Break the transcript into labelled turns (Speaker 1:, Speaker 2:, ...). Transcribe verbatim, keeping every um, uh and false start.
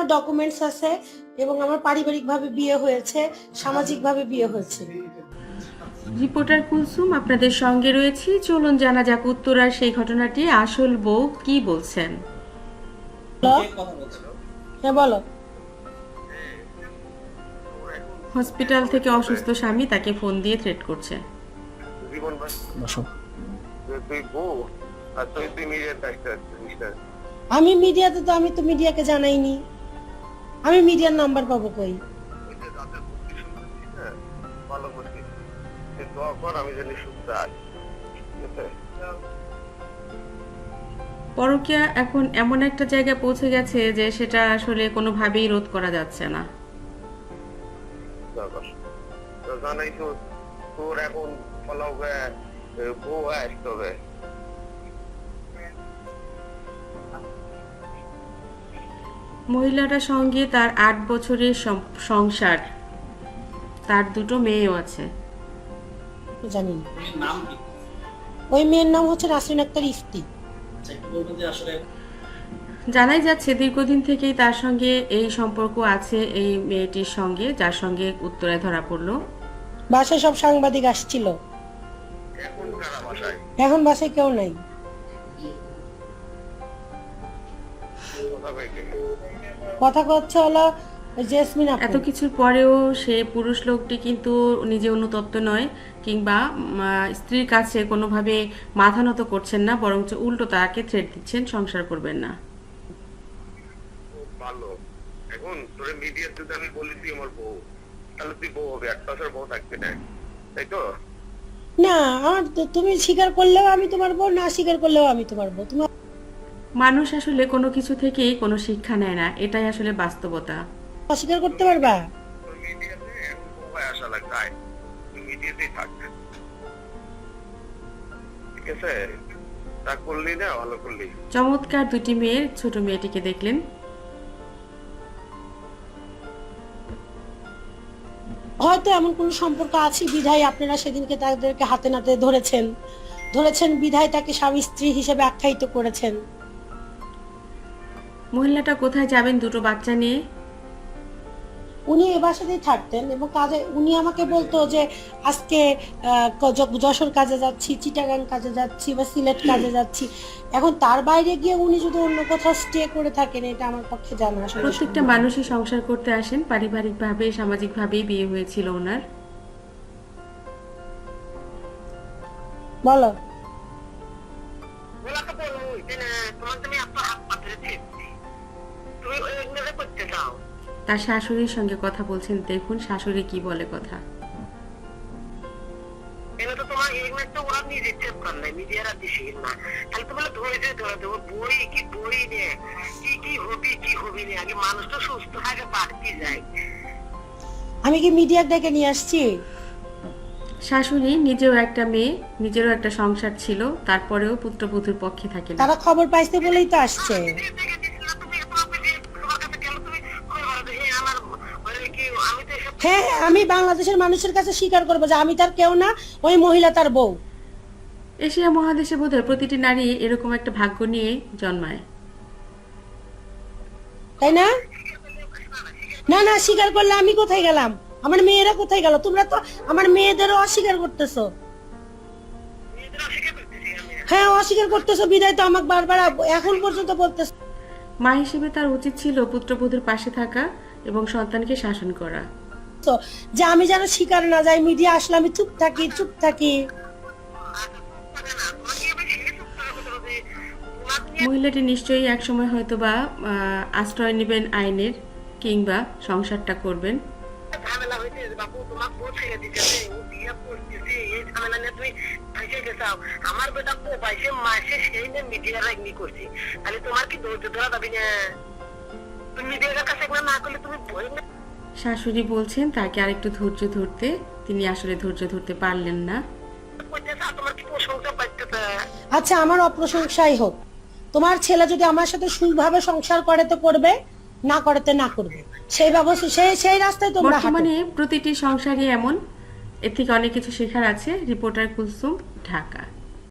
Speaker 1: আমার ডকুমেন্টস আছে এবং আমার পারিবারিকভাবে বিয়ে হয়েছে, সামাজিকভাবে বিয়ে হয়েছে।
Speaker 2: রিপোর্টার কুলসুম আপনাদের সঙ্গে রয়েছি। চলুন জানা যাক উত্তরার সেই ঘটনাটি আসল বউ কি বলছেন।
Speaker 1: হ্যাঁ বলো।
Speaker 2: হসপিটাল থেকে অসুস্থ স্বামী তাকে ফোন দিয়ে থ্রেট করছে।
Speaker 1: আমি মিডিয়াতে তো আমি তো মিডিয়াকে জানাইনি, আমি মিডিয়ার নাম্বার পাবো কই?
Speaker 2: পরকীয়া এখন এমন একটা জায়গায় পৌঁছে গেছে যে সেটা আসলে কোনোভাবেই রোধ করা যাচ্ছে না।
Speaker 3: জানাই তো তোর এখন ফলাও বউ আসতে হবে।
Speaker 2: মহিলাটার সঙ্গে তার আট বছরের সংসার, তার দুটো মেয়েও আছে।
Speaker 1: জানি না ওই মেয়ের নাম হচ্ছে নাসরিন আক্তার ইফতি।
Speaker 2: জানাই যাচ্ছে দীর্ঘদিন থেকেই তার সঙ্গে এই সম্পর্ক আছে এই মেয়েটির সঙ্গে, যার সঙ্গে উত্তরায় ধরা পড়লো।
Speaker 1: বাসায় সব সাংবাদিক আসছিল, এখন বাসায় কেউ নাই। কথা হচ্ছে হলো জেসমিন আপু।
Speaker 2: এত কিছুর পরেও সে পুরুষ লোকটি কিন্তু নিজে অনুতপ্ত নয়, কিংবা স্ত্রীর কাছে কোনোভাবে মাথা নত করছেন না, বরঞ্চ উল্টো তাকে থ্রেট দিচ্ছেন সংসার করবেন না।
Speaker 3: ভালো, এখন তোরে মিডিয়া যদি আমি বলি তুই আমার বউ, তাহলে তুই বউ হবে, এক বছর বউ থাকবে না, তাই তো?
Speaker 1: না, আমার তুমি স্বীকার করলেও আমি তোমার বউ, না স্বীকার করলেও আমি তোমার বউ। তুমি
Speaker 2: মানুষ আসলে কোনো কিছু থেকেই কোনো শিক্ষা নেয় না, এটাই আসলে বাস্তবতা।
Speaker 1: অস্বীকার করতে পারবা?
Speaker 3: মিডিয়াতে এখন বউ হয়ে আসা লাগবে, তুই মিডিয়াতেই থাক, ঠিক আছে? তা করলি না, ভালো করলি।
Speaker 2: চমৎকার দুটি মেয়ের ছোট মেয়েটিকে দেখলেন।
Speaker 1: হয়তো এমন কোন সম্পর্ক আছে বিধায় আপনারা সেদিনকে তাদেরকে হাতে নাতে ধরেছেন ধরেছেন বিধায় তাকে স্বামী স্ত্রী হিসেবে আখ্যায়িত করেছেন।
Speaker 2: মহিলাটা কোথায় যাবেন দুটো বাচ্চা নিয়ে?
Speaker 1: উনি এ বাসাতেই থাকতেন এবং কাজে উনি আমাকে বলতো যে আজকে যশোর কাজে যাচ্ছি, চিটাগাং কাজে যাচ্ছি বা সিলেট কাজে যাচ্ছি। এখন তার বাইরে গিয়ে উনি যদি অন্য কোথাও স্টে করে থাকেন, এটা আমার পক্ষে জানা আসলে।
Speaker 2: প্রত্যেকটা মানুষই সংসার করতে আসেন, পারিবারিকভাবে সামাজিকভাবেই বিয়ে হয়েছিল ওনার।
Speaker 1: বলো।
Speaker 2: তার শাশুড়ির সঙ্গে কথা বলছেন, দেখুন শাশুড়ি কি বলে কথা।
Speaker 1: আমি কি মিডিয়া ডেকে নিয়ে আসছি?
Speaker 2: শাশুড়ি নিজেও একটা মেয়ে, নিজেরও একটা সংসার ছিল, তারপরেও পুত্রবধূর পক্ষে থাকে না।
Speaker 1: তারা খবর পাইছে বলেই তো আসছে। হ্যাঁ, আমি বাংলাদেশের মানুষের কাছে স্বীকার করবো যে আমি তার কেউ না, ওই মহিলা তার বউ।
Speaker 2: এশিয়া মহাদেশে বোধহয় প্রতিটি নারী এরকম একটা ভাগ্য নিয়ে জন্মায়,
Speaker 1: তাই না? না না, স্বীকার করলে আমি কোথায় গেলাম? আমার মেয়েরা কোথায় গেল? তোমরা তো আমার মেয়েদেরও অস্বীকার করতেছো। হ্যাঁ, অস্বীকার করতেছো বিদায় তো আমাকে বারবার এখন পর্যন্ত বলতেছো।
Speaker 2: মা হিসেবে তার উচিত ছিল পুত্রবধূর পাশে থাকা এবং সন্তানকে শাসন করা।
Speaker 1: যে আমি যেন স্বীকার না যাই, মিডিয়া আসলে আমি চুপ থাকি চুপ থাকি
Speaker 2: মহিলাটি নিশ্চয়ই একসময় হয়তো বা আশ্রয় নেবেন আইনের, কিংবা সংসারটা করবেন। শাশুড়ি বলছেন তাকে আরেকটু ধৈর্য ধরতে, তিনি আসলে ধৈর্য ধরতে পারলেন না।
Speaker 1: আচ্ছা, আমার অপ্রশংসাই হোক, তোমার ছেলে যদি আমার সাথে সুইভাবে সংসার করে তো করবে, না করতে না করবে, সেই ব্যবস্থা সেই সেই রাস্তায় তোমরা হাঁটো।
Speaker 2: বর্তমানে প্রতিটি সংসারই এমন, এর থেকে অনেক কিছু শেখার আছে। রিপোর্টার কুলসুম, ঢাকা।